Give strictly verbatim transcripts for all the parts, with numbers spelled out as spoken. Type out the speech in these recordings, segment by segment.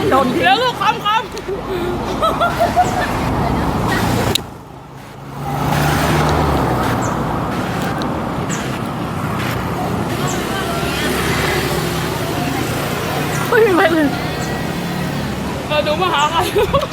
โดนแล้วก็คำคำไม่มีอะไรเลยเออดูมาหาใคร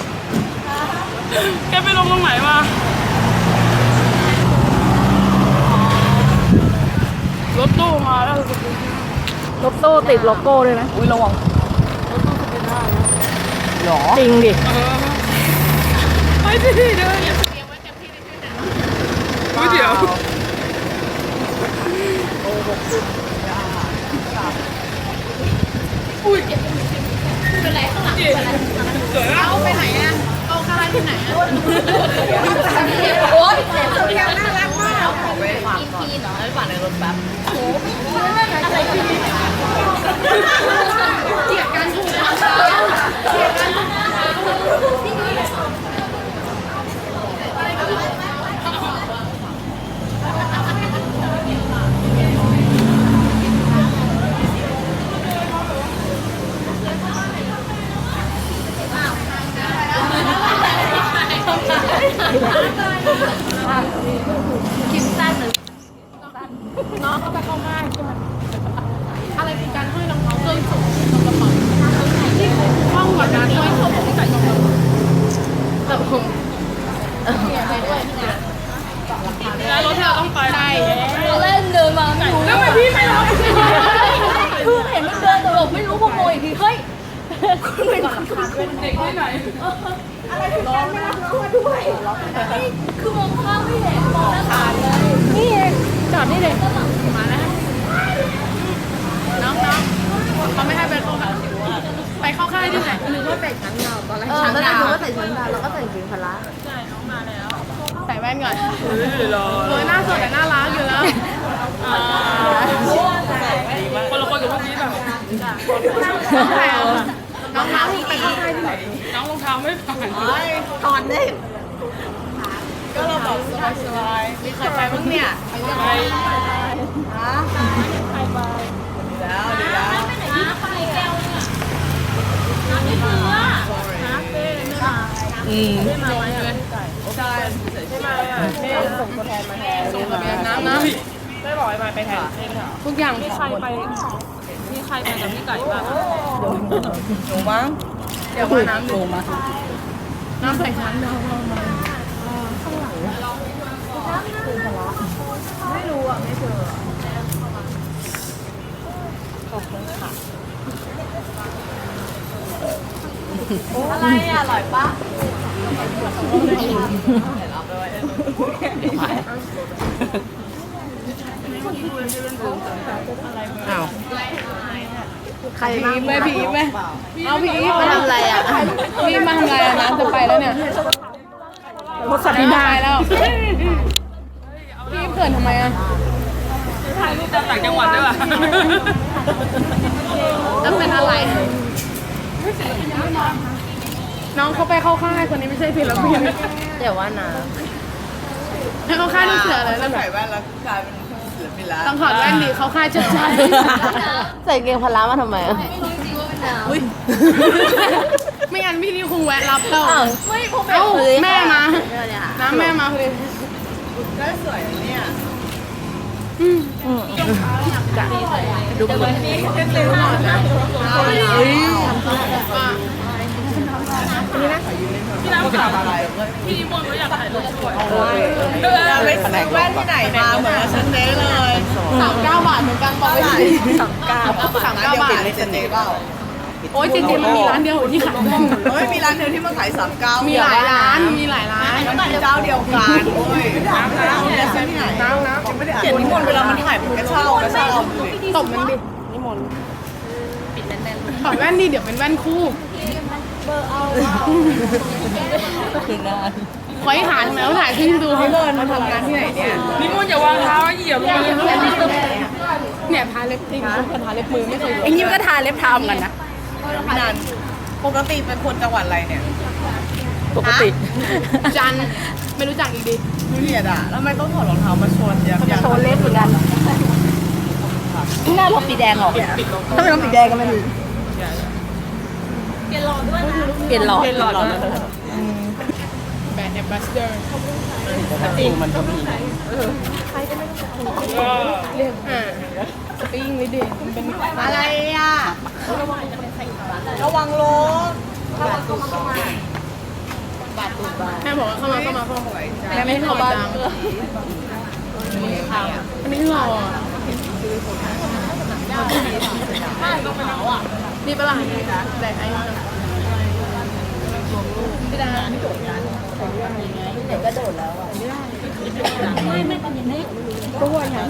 แกไปลงตรงไหนมารถตู้มาแล้วรถตู้ติดโลโก้ด้วยนะอุ้ยระวังรถตู้จะเป็นได้นะหรอจริงดิไปสิเดินเดี๋ยวเดี๋ยวไว้เต็มที่ในชื่อหนังอุ้ยเดี๋ยวโอ้หกสิบอุ้ยเป็นไรข้างหลังเป็นไรสวยมากเอาไปไหนอ่ะเอาคาราที่ไหนอ่ะโอ๊ยแกน่ารักมากขอไปฝากก่อนไปฝากในรถแป๊บโอ้อะไรที่เกลียดกันถูกเกลียดกันคิมสั้นหรือน้องเขาไปเข้าง่ายใช่ไหมอะไรคือการให้รองเท้าเครื่องสูงกระเป๋าที่ห้องกว่านั้นด้วยเขาบอกใส่กระเป๋าแต่ผมแล้วรถที่เราต้องไปใช่เราเล่นเดินมาแล้วทำไมพี่ไม่รับคือเห็นมันเดินแต่เราไม่รู้พอโมยอีกทีเฮ้ยคุณเป็นเด็กที่ไหนอะไรถึงการไม่รับน้องมาด้วยคือมองข้างไม่เห็นมองหน้าขาดเลยนี่เองจอดนี่เลยมาแล้วน้องน้องเขาไม่ให้ไปเข้าไปเข้าค่ายที่ไหนหรือว่าใส่ชั้นดาวตอนแรกชั้นดาวก็ใส่ชั้นดาวแล้วก็ใส่จิงพละใช่น้องมาแล้วใส่แว่นก่อนสวยหน้าสดแต่น่ารักอยู่แล้วคนละคนกับพวกนี้แบบน้องน้องไปเข้าค่ายที่ไหนน้องรองเท้าไม่ผ่านตอนนี้ก็เราบอกสบายๆมีใครไปบ้างเนี่ยไปฮะใครไปดีแล้วดีแล้วไปแก้วเนี่ยน้ำไม่เบื่อน้ำเต้ไม่มาอืมไม่มาไหมอ่ะใช่ไม่มาอ่ะแม่ส่งตัวแทนมาแทนส่งตัวแทนน้ำน้ำไม่บอกให้มาไปแทนทุกอย่างมีใครไปมีใครไปกับพี่ไก่บ้างหนูมั้งเดี๋ยวว่าน้ำหนูมาน้ำใส่ชั้นน้ำมาข้างหลังคือพละไม่รู้อ่ะไม่เจอขอบคุณค่ะอะไรอ่ะอร่อยปะอ้าวใครพีไหมพีไหมเอาพีมาทำอะไรอ่ะพีมาทำอะไรอ่ะน้ำจะไปแล้วเนี่ยรถสัตว์ได้แล้วพี่เขินทำไมอ่ะถ่ายรูปจากต่างจังหวัดด้วยป่ะแล้วเป็นอะไรน้องเขาไปเข้าค่ายคนนี้ไม่ใช่ศิลปินเดี๋ยวว่านะให้เข้าค่ายลูกเสือเลยแล้วใส่แว่นแล้วกลายเป็นศิลปินแล้วต้องถอดแว่นดิเข้าค่ายชัดๆใส่เกงพละมาทำไมอ่ะไม่รู้จริงว่าเป็นน้ำไม่งั้นพี่นี่คงแวะรับเราไม่ผมเอ้าแม่มาน้ำแม่มาเลยได้สวยเนี่ยอืมจะดูมันนี่เร็วหน่อยนะเฮ้ยนี่นะพี่น้ำถามอะไรพี่นิมนต์เขาอยากถ่ายรูปสวยไปซื้อแว่นที่ไหนมาเหมือนฉันเจ๊เลยสามเก้าบาทเหมือนกันบอกไปสิสามเก้าสามเก้าบาทเลยเจ๊เปล่าโอ้ยจริงๆมันมีร้านเดียวที่ขายเฮ้ยมีร้านเดียวที่มาขายสามเก้ามีหลายร้านมีหลายร้านแล้วมันเจ้าเดียวกันโอ้ยน้ำน้ำเนี่ยซื้อที่ไหนน้ำน้ำยังไม่ได้อ่านเขียนนิมนต์เวลามันถ่ายมันก็เช่าก็เช่าตบมันดินิมนต์ปิดแน่นๆถอดแว่นดิเดี๋ยวเป็นแว่นคู่เบอร์เอาคือนานคอยหาทำไมเขาถ่ายขึ้นดูให้เลิศมาทำงานที่ไหนเนี่ยนิมนต์อย่าวางเท้าเหยียบเลยเนี่ยทาเล็บจริงทาเล็บมือไม่เคยไอ้นี่ก็ทาเล็บเท้าเหมือนกันนะพี่นันปกติเป็นคนจังหวัดอะไรเนี่ยปกติจันไม่รู้จักอีกดิไม่เรียดอ่ะแล้วทำไมต้องถอดรองเท้ามาโชว์อยากโชว์เล็บเหมือนกันหน้าลบสีแดงหรอถ้าไม่ลบสีแดงก็ไม่ดีแกรอดปลี่ยนหลอดเปลี่ยนหลอดแบรนด์แอมบาสเดอร์จริงมันก็มีก็เรียกอ่าสปริงเลยเด็กมันเป็นอะไรอ่ะระวังรถระวังเข้ามาเข้ามาแม่บอกว่าเข้ามาเข้ามาเข้ามาแม่ไม่เข้าบ้านอันนี้เราอ่ะนี่ปะล่ะแบกไอ้พี่ดาไม่โดดกันเด็กก็โดดแล้วอ่ะไม่ไม่เป็นอย่างนี้ตัวอย่าง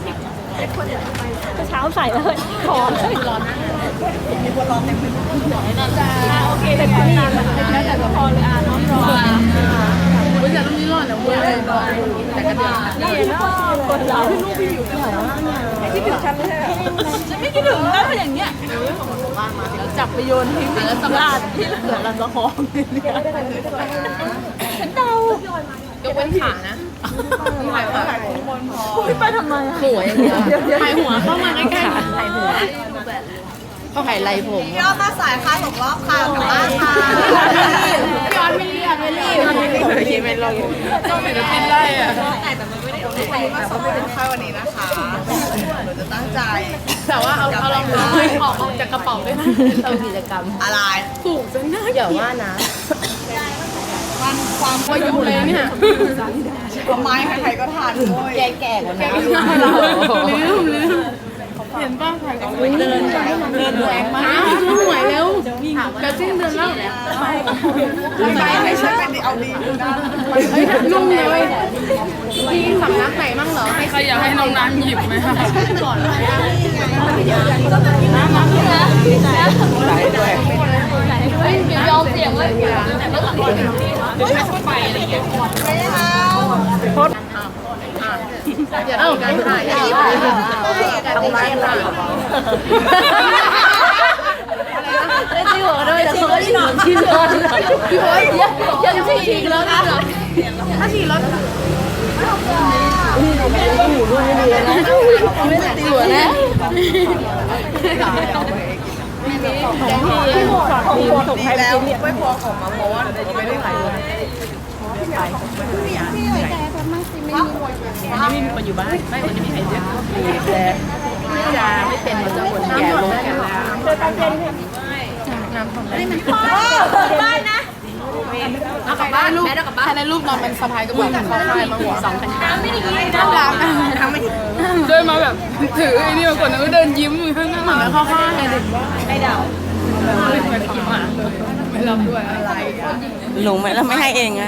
เช้าใส่เลยขอเลยร้อนมีคนร้อนเต็มไปหมดโอเคแต่คนนี้แล้วแต่พอเลยอ่ะน้องรอเว้ยแต่ตรงนี้ร้อนนะเว้ยแต่กระเดื่องนี่เนาะคนเราที่ลูกพี่อยู่ที่ไหนวะที่ถึงฉันไม่ใช่ฉันไม่คิดถึงแล้วอย่างเงี้ยจับไปโยนทิ้งแล้วสำราญที่เหลือลำละครฉันเดายกเว้นขานะถ่ายหัวถ่ายหัวบนพอไปทำไมหัวอย่างเงี้ยถ่ายหัวเข้ามาใกล้ๆถ่ายหัวเขาถ่ายไรผมพี่อ้อมมาสายค่ะตกรอบค่ะกลับบ้านค่ะพี่ออนไม่รีบไม่รีบไม่รีบไม่ลงต้องเป็นติดไล่อะแต่มันไม่ได้เอาไปมาสอบเป็นค่าวันนี้นะคะหนูจะตั้งใจแต่ว่าเอาเอารองเท้าออกออกจากกระเป๋าด้วยนะทำกิจกรรมอะไรถูกจนน่าอย่าว่านะมันความว่าอยู่เลยเนี่ยทำไมใครๆก็ทานด้วยแก่ๆกว่านั้นลืมลืมเห็นป้าถ่ายกับเดินเดินแรงมากช่วยหวยเร็วจะสิ้นเดือนแล้วไปไหนฉันเป็นเอาดีดูนะเฮ้ยนุ่มเลยพี่สำนักไหนมั่งเหรอให้ใครอยากให้น้องน้ำหยิบไหมคะก่อนเลยอ่ะน้ำน้ำนะไหลด้วยเฮ้ยยอมเสี่ยงเลยเดี๋ยวไม่ต้องไปอะไรอย่างเงี้ยไม่เอาอย่าเอากันถ่ายอย่าเอากันถ่ายถ่ายได้ที่หัวด้วยแต่เขาที่นอนที่นอนพี่โอ๊ยยังยังฉีกแล้วนะถ้าฉีกแล้วไม่ได้ตีหัวนะดีแล้วไม่พอของมาเพราะว่าหนูไม่ได้ถ่ายเลยไม่มีคนอยู่บ้านไม่คนจะมีใครเยอะแต่ไม่จะไม่เป็นมันจะคนแก่ลงแก่แล้วน้ำทำได้มันบ้านนะเอากลับบ้านลูกใครในรูปนอนเป็นสะพายกระบอกเขาคายมาหัวสองพันห้าไม่ได้น่ารักเดินมาแบบถือไอ้นี่มาก่อนแล้วก็เดินยิ้มข้างหน้าเหมือนเข้าข้างไงเด็กไม่เดาไม่รับด้วยอะไรหนูไม่แล้วไม่ให้เองอะ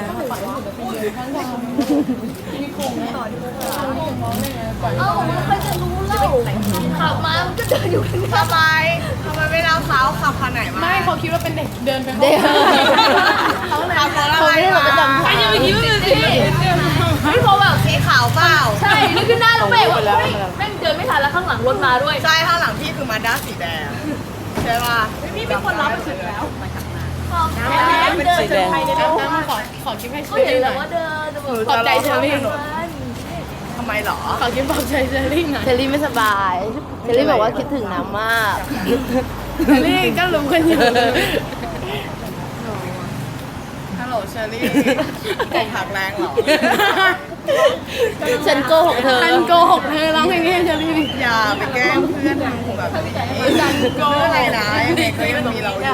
เอ้าไม่ค่อยจะรู้เล่าขับมามันก็เดินอยู่ข้างทำไมทำไมไม่เล่าเท้าขับคันไหนมาไม่เขาคิดว่าเป็นเด็กเดินไปเด็กเขาขับรถอะไรมาใครจะไปคิดว่าเป็นสิพี่โพแบบสีขาวเปล่าใช่นี่คือหน้าแล้วเบรกว่าเฮ้ยแม่งเดินไม่ทันแล้วข้างหลังรถมาด้วยใช่ข้างหลังพี่คือมาด้าสีแดงใช่ป่ะพี่เป็นคนรับไปถึงแล้วเป็นสีแดงน้ำขอขอคลิปให้เขาเชอเห็นรี่หแล้น่วอยว่าเดินจะบอกขอบใจเชอรี่ทำไมหรอขอคลิปปลอบใจเชอรี่หน่อยเชลลี่ไม่สบายเชลลี่บอกว่าคิดถึงน้ำมากเชอรี่ก็รู้กันอยู่ฮัลโหลเชอรี่ไก่ผักแรงเหรอฉันโกหกเธอฉันโกหกเธอร้องเพลงให้เชอรี่ดิอย่าไปแกล้งเพื่อนทำแบบนี้ฉันโกอะไรนะยังไงก็ยังมีเราอยู่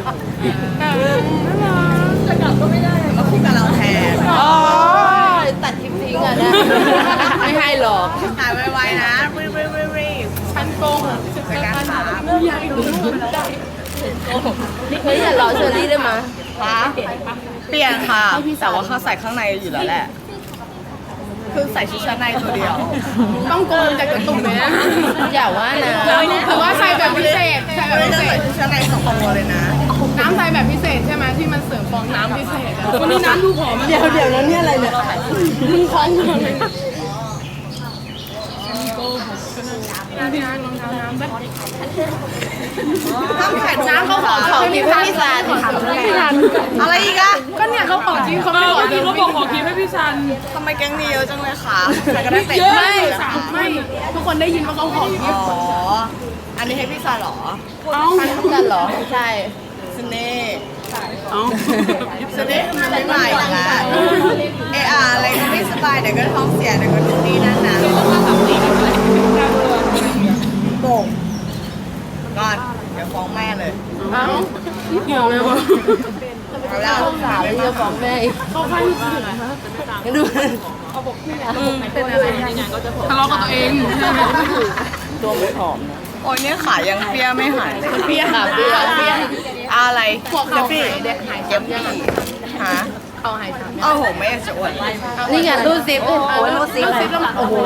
จะกลับก็ไม่ได้มาคู่กับเราแทนอ๋อตัดคลิปทิ้งอ่ะนะไม่ให้หรอกหายไวๆนะรีบรีบรีบรีบฉันโกหกในการถามอยากรู้ได้เฮ้ยอย่ารอเชอรี่ได้ไหมคะเปลี่ยนค่ะแต่ว่าเขาใส่ข้างในอยู่แล้วแหละ คือใส่ชุดชั้นในตัวเดียวต้องโกงจากกระตุกไหมนะอย่าว่านะแต่ว่าใส่แบบพิเศษใส่แบบไม่พิได้เศใส่ษชุดชั้นในสองตัวเลยนะน้ำใส่แบบพิเศษใช่ไหมที่มันเสริมฟองน้ำพิเศษอะวันนี้น้ำดูผอมเดี๋ยวเดี๋ยวนั้นเนี่ยอะไรเนี่ยมึงคล้องมาเลยพี่น้ำรองเท้าน้ำแบบถ้าถ่ายน้ำเขาขอขอคลิปให้พี่ซานพี่ซันอะไรอีกอะก็เนี่ยเขาขอจริงเขาไม่ขอจริงเขาบอกขอคลิปให้พี่ซันทำไมแก๊งนี้เยอะจังเลยคะใครก็ได้เตะไม่ไม่ทุกคนได้ยินว่าเขาขอคลิอ๋ปอ อันนี้ให้พี่ซาเหรอเอ้ากันเหรอใช่สเน่ห์อ๋อจะได้มันไม่มาอีกแล้วเอออะไรก็ไม่สบายเดี๋ยวก็ท้องเสียเดี๋ยวก็นู่นนี่นั่นนะโป่งก่อนเดี๋ยวฟ้องแม่เลยเอ้าเกี่ยวเลยวะเอาแล้วสาวจะฟ้องแม่อีกเข้าข้างที่สุดนะดูเป็นอะไรทะเลาะกับตัวเองตัวไม่ผอมนะโอ้ยเนี่ยขายังเปี้ยไม่หายเลยเปี้ยค่ะเปี้ยเปี้ยอะไรหัวเข่าพี่หายเด็กหายเจ็บพี่ฮะเขาหายสามเอ้าโหไม่อยากจะอวดนี่ไงรูดซิปโอ้ยรูดซิปอะไรโอ้โห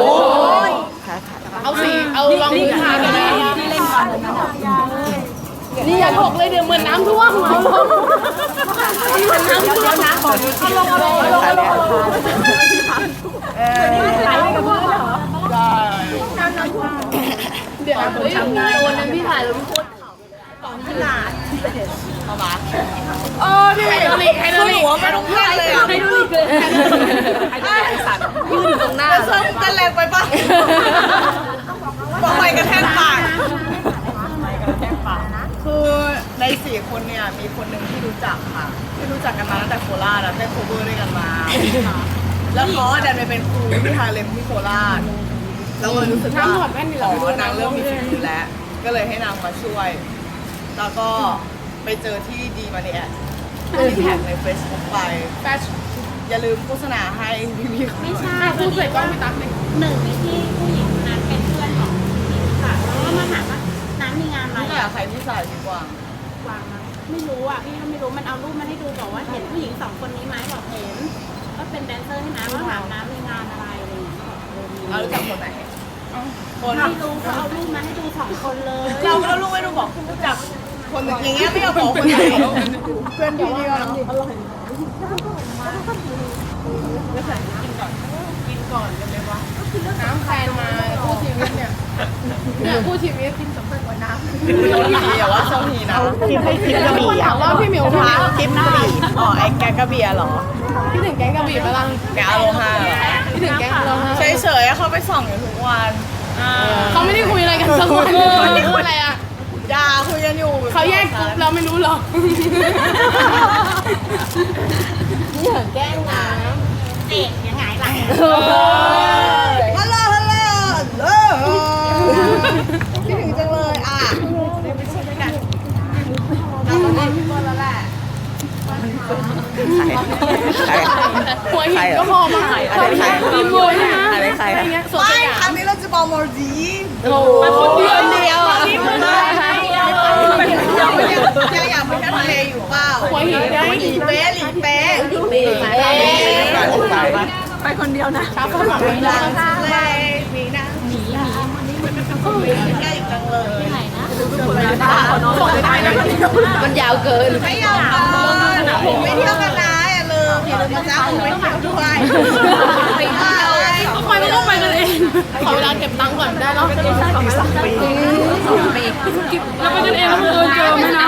เอาสีเอาลองมือทากันนะนี่อย่าถกเลยเดี๋ยวเหมือนน้ำท่วมเหมือนน้ำท่วมนะขอเอาลงเอาลงเอาลงเอาลงเออเดี๋ยวเฮ้ยวันนั้นพี่ถ่ายแล้วพี่โคตรเอามาเออพี่ไฮโดรลิกไฮโดรลิกหัวไม่ต้องพลาดเลยอ่ะไฮโดรลิกเลยไฮโดรลิกไฮโดรลิกสัตว์ยืนอยู่ตรงหน้าเสื้อมึงเต้นแรงไปปะบอกไปกระแทกปากคือในสี่คนเนี่ยมีคนหนึ่งที่รู้จักค่ะ ที่รู้จักกันมาตั้งแต่โคราชแล้วเต้นโคเวอร์ด้วยกันมา แล้วเขาดันไปเป็นครูที่ฮาเลมที่โคราชเราเลยรู้สึกว่าอ๋อนางเริ่มมีฝีมือแล้ว ก็เลยให้นางมาช่วย แล้วก็ไปเจอที่ดีมาเนี่ยที่แท็กใน Facebook ไปแฟชั่นอย่าลืมโฆษณาให้พี่พี่ๆไม่ใช่พูดใส่กล้องพี่ตั๊กเลยหนึ่งในที่ผู้หญิงคนนั้นเป็นเพื่อนของหญิงค่ะแล้วก็มาถามว่าน้ำมีงานอะไรนี่แหละใครที่ใส่ดีกว่าวางมาไม่รู้อ่ะพี่ก็ไม่รู้มันเอารูปมาให้ดูบอกว่าเห็นผู้หญิงสองคนนี้ไหมบอกเห็นก็เป็นแดนเซอร์ให้น้ำก็ถามน้ำมีงานอะไรอะไรอย่างเงี้ยบอกเออมีเรารู้จักคนไหนคนไม่รู้ก็เอารูปมาให้ดูสองคนเลยเราก็รู้ไม่รู้บอกรู้จักคนอย่างเงี้ยไม่เอาบอกคนไหนเพื่อนพี่นี่ก็เนาะอร่อยกินก่อนกันเลยวะน้ำแฟนมาคู่ชีวิตเนี่ยเนี่ยคู่ชีวิตกินสำคัญกว่าน้ำพี่อย่าว่าเจ้าทีนะคิดให้คิดกระบี่ถามว่าพี่เหมียวพี่เหมียวคลิปกระบี่อ๋อไอ้แกกระบี่เหรอพี่ถึงแก๊งกระบี่ปะล่ะแกอโลฮาเหรอพี่ถึงแก๊งเราเฉยๆเขาไปส่องอยู่ทุกวันเขาไม่ได้คุยอะไรกันสักวันเลยพูดอะไรอ่ะอย่าคุยกันอยู่เขาแยกกลุ่มเราไม่รู้หรอกนี่เหรอแกล้งน้เด็กยังไงล่ะำฮัลโหลฮัลโหลเออคิดถึงจังเลยอ่ะไปช่วยด้วยกันเราต้องเล่นพี่บอลแล้วแหละหัวหินก็พอมาหายอะไรใครมีมวยนะอะไรใครอะไรเงี้ยสวนไม่สยามครั้งนี้เราจะบอกมอร์ดีไปคนเดียวเดียวอ่ะนี่มันอะไรยังอยากไปเที่ยวทะเลอยู่เปล่าหัวหินได้หลีเป๊ะหลีเป๊ะไปคนเดียวนะชาวบ้านบอกไม่ได้เลยมีนะมีมีใกล้จังเลยส่งไม่ได้นะมันยาวเกินไม่ยอมกันผมไม่เที่ยวกันนะอย่าลืมอย่าลืมนะจ๊ะผมไม่เที่ยวด้วยไปเลยก็ไปไม่ต้องไปกันเองขอเวลาเก็บตังค์ก่อนได้แล้วสองปีเราไปกันเองแล้วเออเจอไหมนะ